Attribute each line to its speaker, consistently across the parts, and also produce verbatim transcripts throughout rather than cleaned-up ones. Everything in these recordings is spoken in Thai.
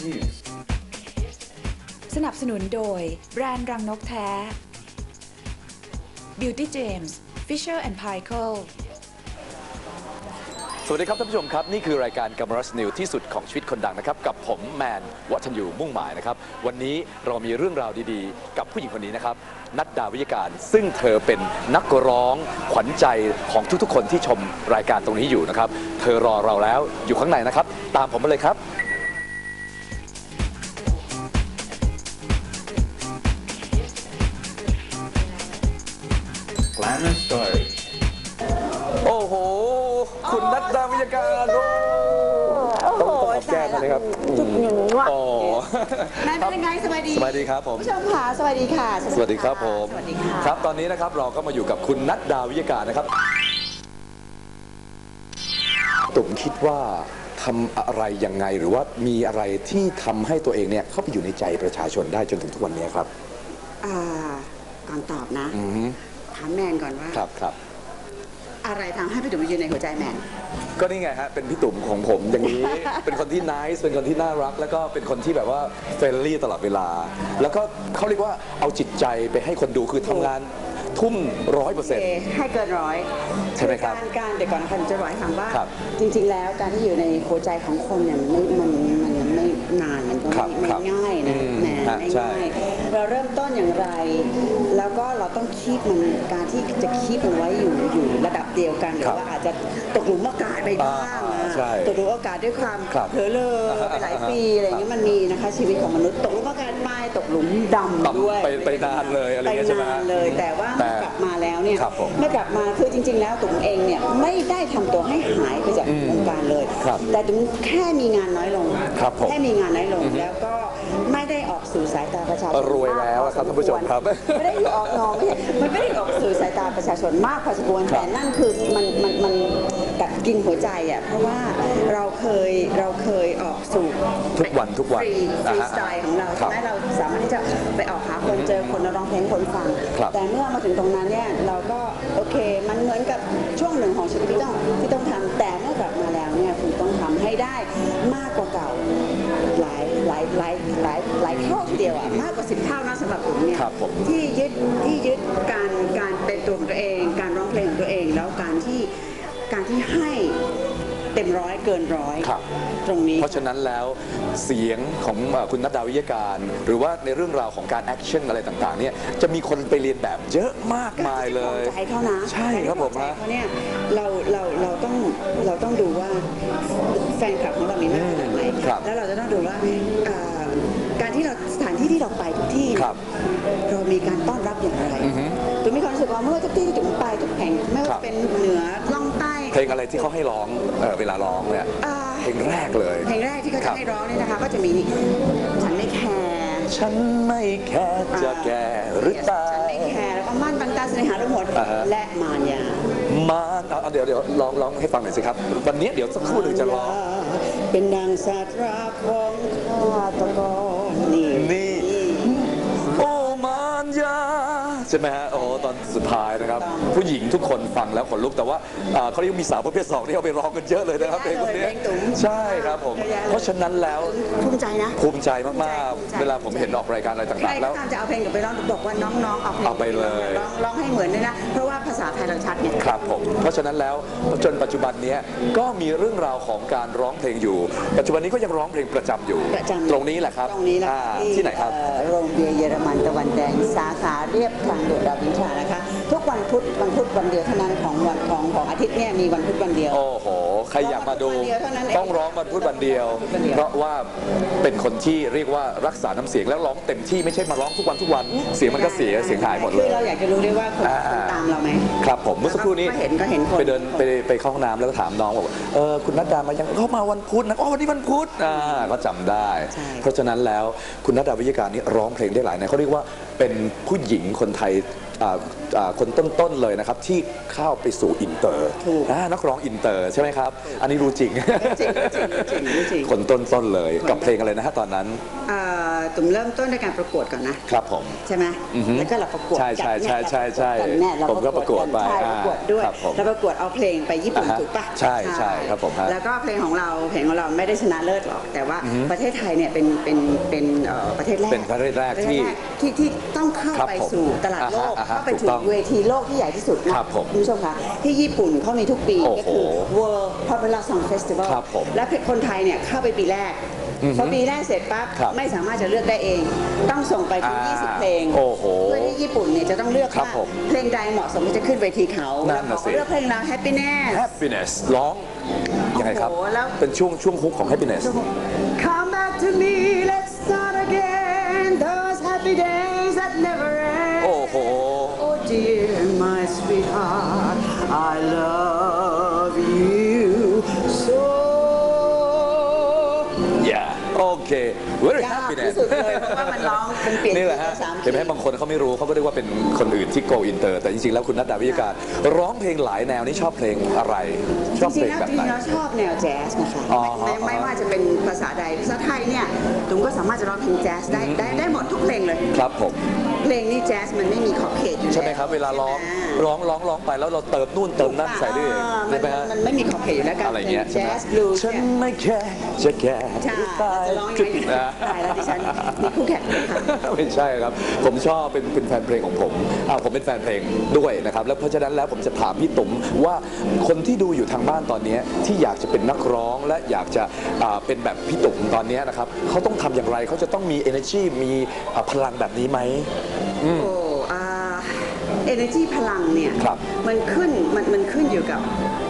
Speaker 1: News
Speaker 2: สนับสนุนโดยแบรนด์รังนกแท้ Beauty James Fisher แอนด์ Paykel
Speaker 3: สวัสดีครับท่านผู้ชมครับนี่คือรายการกัมรัสนิวที่สุดของชีวิตคนดังนะครับกับผมแมนวัฒนยูมุ่งหมายนะครับวันนี้เรามีเรื่องราวดีๆกับผู้หญิงคนนี้นะครับนัดดาวิยการซึ่งเธอเป็นนักร้องขวัญใจของทุกๆคนที่ชมรายการตรงนี้อยู่นะครับเธอรอเราแล้วอยู่ข้างในนะครับตามผมมาเลยครับ
Speaker 1: Glamour Story
Speaker 3: โอ้โหคุณนัดดาวิยการโอ้ต้องขอบแก้มเลยครับ
Speaker 4: จุดหนึ่งว่ะ
Speaker 3: โอ้
Speaker 4: แม่เป็นยังไงสบายดี
Speaker 3: สวัสดีครับผม
Speaker 4: ผู้ชมค่ะสวัสดีค่ะ
Speaker 3: สวัสดีครับผม
Speaker 4: สวัสดีค่ะ
Speaker 3: ครับตอนนี้นะครับเราก็มาอยู่กับคุณนัดดาวิยการนะครับตุ๋มคิดว่าทำอะไรยังไงหรือว่ามีอะไรที่ทำให้ตัวเองเนี่ยเข้าไปอยู่ในใจประชาชนได้จนถึงทุกวันนี้ครับ
Speaker 4: อ่าก่อนตอบนะ
Speaker 3: อือฮึ
Speaker 4: ถามแมนก่อนว่า
Speaker 3: ครับครับ
Speaker 4: อะไรทำให้พี่ตุ๋มยืนในหัวใจแมน
Speaker 3: ก็นี่ไงฮะเป็นพี่ตุ๋มของผมอย่างนี้ เป็นคนที่น่าสเป็นคนที่น่ารัก แล้วก็เป็นคนที่แบบว่าเฟรนลี่ตลอดเวลา แล้วก็เขาเรียกว่าเอาจิตใจไปให้คนดูคือทำงานทุ่มร้อยเปอร์เซ็นต์
Speaker 4: ให้เกินร้อย
Speaker 3: ใช่ไหมครับ
Speaker 4: การการเดี๋ยวก่อนคันจะบอกให้ฟังว่า
Speaker 3: ครับ
Speaker 4: จริงๆแล้วการที่อยู่ในหัวใจของคนเนี่ยมันไม่มันมันมันไม่นานมันก็
Speaker 3: ครั
Speaker 4: ไม่
Speaker 3: บ
Speaker 4: ไม่
Speaker 3: ครับ
Speaker 4: ง่ายนะ
Speaker 3: อืม
Speaker 4: แหม
Speaker 3: ฮะ
Speaker 4: ไม่
Speaker 3: ใช่
Speaker 4: ง่ายเราเริ่มต้นอย่างไร แล้วก็เราต้องคีบมันการที่จะคีบมันไว้อยู่อยู่ระดับเดียวกันหรือว่าอาจจะตกหลุมโอกาสไปบ้าง
Speaker 3: อ่า
Speaker 4: นะ
Speaker 3: ใช่
Speaker 4: ตกหลุมโอกาสด้วยความ
Speaker 3: ครับ
Speaker 4: เผลอเลอไปหลายปีอะไรอย่างเงี้ยมันมีนะคะชีวิตของมนุษย์ตกหลุมโอกาสไม่ตกหลุมดำด้วย
Speaker 3: ไปไปนานเลยอะไรอย่างเงี้ยใช่ไหม
Speaker 4: ปนานเลยแต่ว่า
Speaker 3: แต่
Speaker 4: กลับมาแล้วเนี่ย
Speaker 3: ครับผม
Speaker 4: เมื่อกลับมาคือจริง ๆ แล้วตุ๋มเองเนี่ยไม่ได้ทำตัวให้หายไปจาก
Speaker 3: อืม
Speaker 4: วงการเลย
Speaker 3: ครับ
Speaker 4: แต่ตุ๋มแค่มีงานน้อยลง
Speaker 3: ครับผม
Speaker 4: แค่มีงานน้อยลงแล้วก็ไม่ได้ออกสู่สายตาประชาชน
Speaker 3: รวยแล้วอะครับท่านผู้ชมครับ
Speaker 4: ไม่ได้อยู่ออกนอกไม่ใช่มันไม่ได้ออกสู่สายตาประชาชนมากพอสมควร
Speaker 3: ครับ
Speaker 4: แต่นั่นคือมันมันมันกัดกินหัวใจอ่ะเพราะว่าเราเคยเราเคยออกสู่
Speaker 3: ทุกวันทุกวัน
Speaker 4: ฟรีฟ
Speaker 3: นะ
Speaker 4: รี
Speaker 3: ฮะ
Speaker 4: สไตล์ของเรา
Speaker 3: ครั
Speaker 4: ใช่
Speaker 3: บ
Speaker 4: ไหมเราสามารถที่จะไปออกหาคนเจอคนแล้วร้องเพลงให้คนฟัง
Speaker 3: ครับ
Speaker 4: แต่เมื่อมาถึงตรงนั้นเนี่ยเราก็โอเคมันเหมือนกับช่วงหนึ่งของชีวิตที่ต้องที่ต้องทำแต่เมื่อกลับมาแล้วเนี่ยคุณต้องทำให้ได้มากกว่าเก่าหลายหลายหลายหลายหลายเท่าทีเดียวอ่ะมากกว่าสิบเท่านะสำหรับผมเนี่ย
Speaker 3: ครับผม
Speaker 4: ที่ยึดที่ยึดการการเป็นตัวของตัวเอง การร้องเพลงของตัวเองแล้วการที่การที่ให้เต็มร้อยเกินร้อย
Speaker 3: ครับ
Speaker 4: ตรงนี้
Speaker 3: เพราะฉะนั้นแล้วเสียงของเอ่อคุณนัดดาวิยการ หรือว่าในเรื่องราวของการแอคชั่นอะไรต่างๆเนี่ยจะมีคนไปเรียนแบบเยอะมากมายเลย
Speaker 4: ใจเขานะ
Speaker 3: ใช่ครับผม
Speaker 4: ใจ
Speaker 3: ฮะ
Speaker 4: เขาเนี่ยเราเราเราต้องเราต้องดูว่าแฟนคลับของเรามีมากขนาดไหน
Speaker 3: ครับ
Speaker 4: แล้วเราจะต้องดูว่าอ่าการที่เราสถานที่ที่เราไปทุกที่เนี่ย
Speaker 3: ครับ
Speaker 4: เรามีการต้อนรับอย่างไร
Speaker 3: อือฮึ
Speaker 4: ตุ๋มมีความรู้สึกว่าเมื่อทุกที่ที่ตุ๋มไปทุกแห่งไม่
Speaker 3: ครั
Speaker 4: ว่า
Speaker 3: บ
Speaker 4: เป็นเหนือล่องใต้
Speaker 3: เพลงอะไรที่เขาให้ร้องเอ่อเวลาร้องเนี่ย
Speaker 4: อ่า
Speaker 3: เพลงแรกเลย
Speaker 4: เพลงแรกที่เขา
Speaker 3: ครั
Speaker 4: จะ
Speaker 3: บ
Speaker 4: ให้ร้องเนี่ยนะคะก็จะมีฉันไม่แคร์
Speaker 3: ฉันไม่แค่จะแก่หรือตา
Speaker 4: ฉัน
Speaker 3: ย
Speaker 4: ไม่แคร์แล้วก็มั่นบังตาเสน่หาทั้งหมด
Speaker 3: อ่าฮะ
Speaker 4: และมารยา
Speaker 3: มาเอาเอาเดี๋ยวเดี๋ยวร้องร้องให้ฟังหน่อยสิครับ วันนี้เดี๋ยวสักครู่หนึ่งจะร้อง
Speaker 4: เป็นนางสาตราของข้าตะกอนนี่
Speaker 3: นี่ โอ้มารยาใช่ไหมฮะโอ้ตอนสุดท้ายนะครับ ผู้หญิงทุกคนฟังแล้วขนลุกแต่ว่าอ่าเขาเรียกมีสาวประเภทสองที่เอาไปร้องกันเยอะเลยนะครับเพลงคนนี้ใช่ครับผม เพราะฉะนั้นแล้ว
Speaker 4: ภูมิใจนะ
Speaker 3: ภูมิใจมาก
Speaker 4: ภูมิใจ
Speaker 3: ๆ เวลาผมเห็นออกรายการอะไร
Speaker 4: ใคร
Speaker 3: ต่างๆ
Speaker 4: ก็
Speaker 3: แล้ว
Speaker 4: ตามจะเอาเพลงกับไปร้องบอกว่าน้องๆเอาเพลง
Speaker 3: เอาไปเลย
Speaker 4: ร้องร้องให้เหมือนด้วยนะ เพราะว่าภาษาไทยเราชัดเนี่ย
Speaker 3: ครับผม เพราะฉะนั้นแล้วจนปัจจุบันนี้ก็มีเรื่องราวของการร้องเพลงอยู่ ปัจจุบันนี้ก็ยังร้องเพลงประจำอยู่
Speaker 4: ประจำ
Speaker 3: ตรงนี้แหละครับ
Speaker 4: ตรงนี้แหละ
Speaker 3: อ่าที่ไหนครับ
Speaker 4: เอ่อโรงเบียร์เยอรมันตะวันแดงสาขาเรียบทางด่วนรามอินทรานะคะ ทุกวันพุธวันพุธวันเดียวเท่านั้นของวันของของอาทิตย์เนี่ยมีวันพุธวันเดียว
Speaker 3: โอ้โห ใครอยากมาดู
Speaker 4: ร้องวันพุธวันเดียวเท่านั้นเอง
Speaker 3: ต้องร้องวันพุธวันเดียว
Speaker 4: วันพุธวันเดียว
Speaker 3: เพราะว่าเป็นคนที่เรียกว่ารักษาน้ำเสียงแล้วร้องเต็มที่ไม่ใช่มาร้องทุกวันทุกวัน เสียงมันก็เสียเสียงหายหมดเล
Speaker 4: คื
Speaker 3: ย
Speaker 4: อเราอยากจะรู้ด้วยว่าคน
Speaker 3: อ่า
Speaker 4: คนตามเราไหม
Speaker 3: ครับผมเมื่อสักครู่นี้
Speaker 4: ก็เห็นก็เห็นคน
Speaker 3: ไปเดินไปไปเข้าห้องน้ำแล้วก็ถามน้องบอกว่าเออคุณนัดดามายังเข้ามาวันพุธนะอ๋อวันนี้วันพุธอ่าก็จำได้
Speaker 4: ใช่
Speaker 3: เพราะฉะนั้นแล้วคุณนัดดาวิยการนี่ร้องเพลงได้หลายแนวเขาเรียกว่าเป็นผู้หญิงคนไทยอ่าอ่าคนต้นๆเลยนะครับที่เข้าไปสู่อินเตอร์
Speaker 4: ถูก
Speaker 3: อ่านักร้องอินเตอร์ใช่ไหมครับ อันนี้รู้จริง
Speaker 4: จริงจริงจริงจริง
Speaker 3: คนต้นๆเลยกับเพลงอะไรนะฮะตอนนั้น
Speaker 4: เอ่อตุ่มเริ่มต้นในการประกวดก่อนนะครับ
Speaker 3: ผม
Speaker 4: ใช่ไหม
Speaker 3: อือฮึ
Speaker 4: แล้วก็เราประกวด
Speaker 3: ใช่ใช่ใช่ใช่ใช่
Speaker 4: กันเนี่ยเรา
Speaker 3: ผมก็ประกวดไป
Speaker 4: ใช่ประกวดด้วย
Speaker 3: ครับผม
Speaker 4: เราประกวดเอาเพลงไปญี่ปุ่น
Speaker 3: อ่าฮะ
Speaker 4: ถูกปะ
Speaker 3: ใช่ใช่ครับผมฮะ
Speaker 4: แล้วก็เพลงของเราเพลงของเราไม่ได้ชนะเลิศหรอกแต่ว่าประเทศไทยเนี่ยเป็นเป็นเป็นเอ่อประเทศแรก
Speaker 3: เป็นประเทศแรกที่
Speaker 4: ที่ที่ต้องเข้า
Speaker 3: ครับ
Speaker 4: ไป
Speaker 3: ผม
Speaker 4: สู่ตลาดโลก
Speaker 3: อ่าฮะอ่าฮะ
Speaker 4: เข้าไป
Speaker 3: ถู
Speaker 4: ถึ
Speaker 3: ก
Speaker 4: ง
Speaker 3: ต้อง
Speaker 4: เวทีโลกที่ใหญ่ที่สุดนะครับ
Speaker 3: ผม
Speaker 4: คุณผู้ชมคะที่ญี่ปุ่นเขามีทุกปี
Speaker 3: โอ้
Speaker 4: ก็
Speaker 3: โห
Speaker 4: คือ World Popular Song Festival
Speaker 3: ครับผม
Speaker 4: และคนไทยเนี่ยเข้าไปปีแรกพอปีแรกเสร็จปั๊บ
Speaker 3: ครับ
Speaker 4: ไม่สามารถจะเลือกได้เอง ต้องส่งไปถึง
Speaker 3: อ่า
Speaker 4: ยี่สิบ เพลง
Speaker 3: โอ้โห
Speaker 4: เพื่อที่ญี่ปุ่นเนี่ยจะต้องเลือก
Speaker 3: ครับ
Speaker 4: ว่า
Speaker 3: ผม
Speaker 4: เพลงใดเหมาะสมที่จะขึ้นเวทีเขา
Speaker 3: นั่นน่ะสิ
Speaker 4: เลือกเพลงเรา Happiness
Speaker 3: happiness ร้องยังไงครับ
Speaker 4: โอ้โหแล้ว
Speaker 3: เป็นช่วงช่วงฮุกของ happiness
Speaker 4: Come back to me let's start again those happy days that never end
Speaker 3: โอ้โห
Speaker 4: Oh dear my sweetheart I love you so
Speaker 3: yeah โอเค very
Speaker 4: ยาก
Speaker 3: happiness
Speaker 4: ที่สุดเลยเพราะว่ามันร้องเป็นเปลี่ยน
Speaker 3: นี่แหละฮะ
Speaker 4: สาม
Speaker 3: เห็นไหมบางคนเขาไม่รู้เขาก็เรียกว่าเป็นคนอื่นที่ go inter แต่จริงๆแล้วคุณนัดดาวิยการร้องเพลงหลายแนวนี่ชอบเพลงอะไร ชอบ
Speaker 4: จริ
Speaker 3: เพล
Speaker 4: ง
Speaker 3: ง
Speaker 4: ๆแล้ว
Speaker 3: แบบ
Speaker 4: จริ
Speaker 3: ไหน
Speaker 4: งๆแล้วชอบแนวแจ๊สนะคะ
Speaker 3: อ๋อ
Speaker 4: ไม่ไม่ไม่ว่าจะเป็นภาษาใดภาษาไทยเนี่ยตุ้มก็สามารถจะร้องเพลงแจ๊สได้ได้ได้หมดทุกเพลงเลย
Speaker 3: ครับผม
Speaker 4: เพลงนี้แจ๊สมันไม่มีขอบเขตอยู่แล้ว
Speaker 3: ใช่ไหมครับ เวลาร้อง
Speaker 4: ใช่ไหม
Speaker 3: ร้องร้องร้องไปแล้วเราเติมนู่นเติมนั่นใส่ด้วยเอง
Speaker 4: อ่ามั
Speaker 3: ใช่
Speaker 4: น
Speaker 3: ไหมฮะ
Speaker 4: มันไม่มีขอบเขตอยู่แล้วการ
Speaker 3: อะไร
Speaker 4: เพล
Speaker 3: เงี้
Speaker 4: ง
Speaker 3: ยใช่ไหม
Speaker 4: แจ๊สบลูส์
Speaker 3: ฉัน
Speaker 4: เนี่ย
Speaker 3: ไม่แค่จะแค่
Speaker 4: ใช่
Speaker 3: ตาย
Speaker 4: จะร้องยังไงดีตายแล้วดิฉันมีคู่แข่งเลยค่ะ
Speaker 3: ไม่ใช่ครับ ผมชอบเป็นเป็นแฟนเพลงของผมอ้าวผมเป็นแฟนเพลงด้วยนะครับ แล้วเพราะฉะนั้นแล้วผมจะถามพี่ตุ๋มว่าคนที่ดูอยู่ทางบ้านตอนนี้ที่อยากจะเป็นนักร้องและอยากจะอ่าเป็นแบบพี่ตุ๋มตอนนี้นะครับเขาต้องทำอย่างไรเขาจะต้องมี energy มีอ่าพลังแบบนี้ไหม
Speaker 4: โอ้อ่า energy พลังเนี่ย
Speaker 3: ครับ
Speaker 4: มันขึ้นมันมันขึ้นอยู่กับ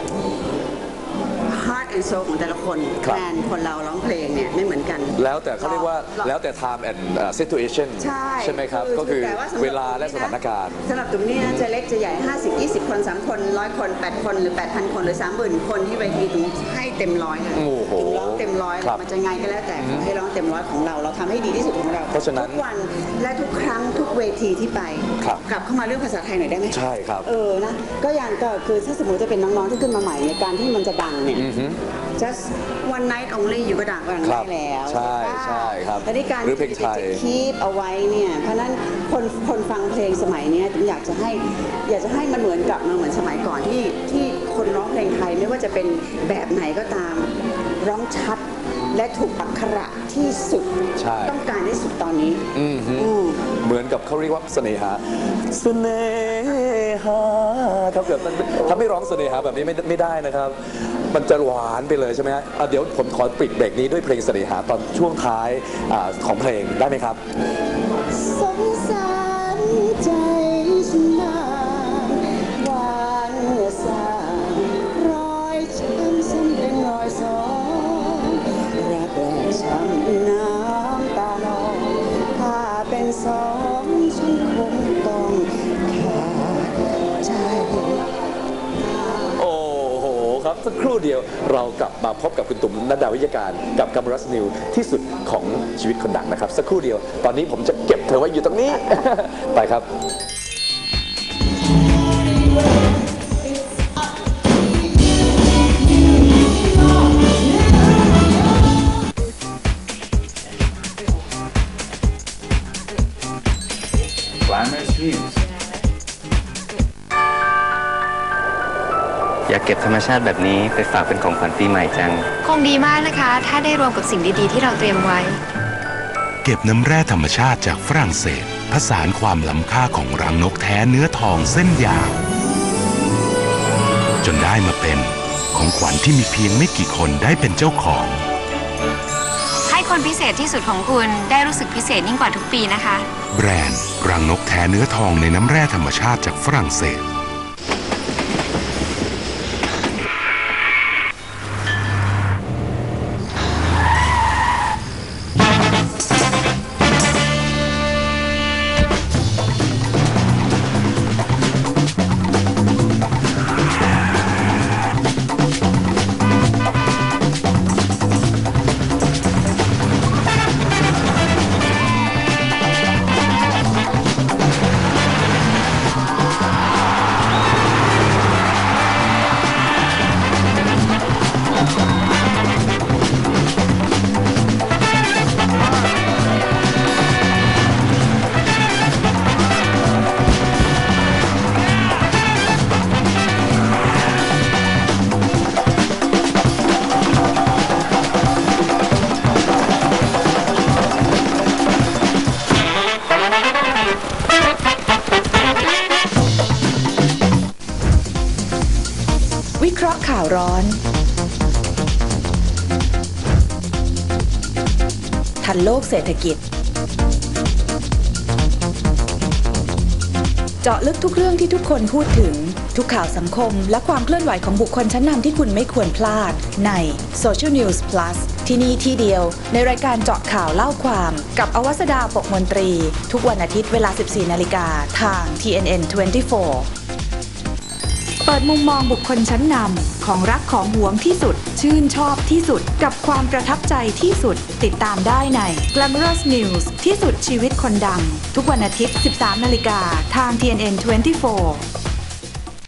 Speaker 4: heart and soul ของแต่ละคน
Speaker 3: ครับ
Speaker 4: แฟนคนเราร้องเพลงเนี่ยไม่เหมือนกัน
Speaker 3: แล้วแต่เขาเรียกว่าแล้วแต่ time and อ่า situation
Speaker 4: ใช่
Speaker 3: ไหมครับ ก็คือ
Speaker 4: แต่าสำหรับ
Speaker 3: เวลาและสถานการณ์
Speaker 4: สำหรับตุ่มเนี่ยจะเล็กจะใหญ่ ห้าสิบ ยี่สิบ คน สาม คน ร้อย คน แปด คนหรือ แปดพัน คนหรือ สามหมื่น คนที่เวทีตุ่มให้เต็มร้อยเลย
Speaker 3: โอ้โห
Speaker 4: ตุ่มร้องเต็มร้อย
Speaker 3: ครับ
Speaker 4: มันจะไงก็แล้วแต่ขอให้ร้องเต็มร้อยของเราเราทำให้ดีที่สุดของเรา
Speaker 3: เพราะฉะนั้น
Speaker 4: ทุกวันและทุกครั้งทุกเวทีที่ไป
Speaker 3: ครับ
Speaker 4: กลับเข้ามาเรื่องภาษาไทยหน่อยได้ไหม
Speaker 3: ใช่ครับ
Speaker 4: เออนะก็อย่างก็คือถ้าสมมติจะเป็นน้องๆที่ขึ้นมาใหม่ในการที่มันจะดังเนี่ย just one night only อยู่ก็ดังก็ดัง
Speaker 3: ครั
Speaker 4: ได้
Speaker 3: บ
Speaker 4: แล้ว
Speaker 3: ใช่
Speaker 4: ปะ
Speaker 3: ใช่ครับ
Speaker 4: แต่ที่การ
Speaker 3: หรือเพลงไทย
Speaker 4: จะคีปเอาไว้เนี่ยเพราะฉะนั้นคนคนฟังเพลงสมัยเนี้ยผมอยากจะให้อยากจะให้มันเหมือนกับเหมือนสมัยก่อนที่ที่คนร้องเพลงไทยไม่ว่าจะเป็นแบบไหนก็ตามร้องชัดและถูกอักขระที่สุด
Speaker 3: ใช่
Speaker 4: ต้องการที่สุดตอนนี้
Speaker 3: อืมฮึ
Speaker 4: อืม
Speaker 3: เหมือนกับเขาเรียกว่าเสน่หาเสน่หาครับเกิดมันถ้าไม่ร้องเสน่หาแบบนี้ไม่ไม่ได้นะครับ มันจะหวานไปเลยใช่ไหมฮะอ่ะเดี๋ยวผมขอปิดเบรกนี้ด้วยเพลงเสน่หาตอนช่วงท้ายอาของเพลงได้ไหมครับ
Speaker 4: สงสารใจฉันนานหวานสางรอยช้ำซ้ำเป็นรอยสองรักแรกช้ำน้ำตานองถ้าเป็นสองฉันคงต้องขาดใจ
Speaker 3: โอ้โหครับสักครู่เดียวเรากลับมาพบกับคุณตุ๋มนัดดาวิยการกับกัมรัสนิวที่สุดของชีวิตคนดังนะครับ สักครู่เดียวตอนนี้ผมจะเก็บเธอไว้อยู่ตรงนี้ ไปครับ
Speaker 1: Glamorous views.
Speaker 5: อยากเก็บธรรมชาติแบบนี้ไปฝากเป็นของขวัญปีใหม่จัง
Speaker 6: คงดีมากนะคะ ถ้าได้รวมกับสิ่งดีๆที่เราเตรียมไว้
Speaker 7: เก็บน้ำแร่ธรรมชาติจากฝรั่งเศส ผสานความล้ำค่าของรังนกแท้เนื้อทองเส้นยาว จนได้มาเป็นของขวัญที่มีเพียงไม่กี่คนได้เป็นเจ้าของ
Speaker 6: ให้คนพิเศษที่สุดของคุณได้รู้สึกพิเศษยิ่งกว่าทุกปีนะคะ
Speaker 7: แบรนด์รังนกแท้เนื้อทองในน้ำแร่ธรรมชาติจากฝรั่งเศส
Speaker 2: ราะห์ข่าวร้อน ทันโลกเศรษฐกิจ เจาะลึกทุกเรื่องที่ทุกคนพูดถึงทุกข่าวสังคมและความเคลื่อนไหวของบุคคลชั้นนำที่คุณไม่ควรพลาดใน Social News Plus ที่นี่ที่เดียวในรายการเจาะข่าวเล่าความกับอวสดาปกมนตรี ทุกวันอาทิตย์เวลา สิบสี่นาฬิกาทาง ที เอ็น เอ็น ยี่สิบสี่ เปิดมุมมองบุคคลชั้นนำของรักของหวงที่สุดชื่นชอบที่สุดกับความประทับใจที่สุดติดตามได้ใน Glamorous News ที่สุดชีวิตคนดังทุกวันอาทิตย์ สิบสามนาฬิกาทาง ที เอ็น เอ็น ยี่สิบสี่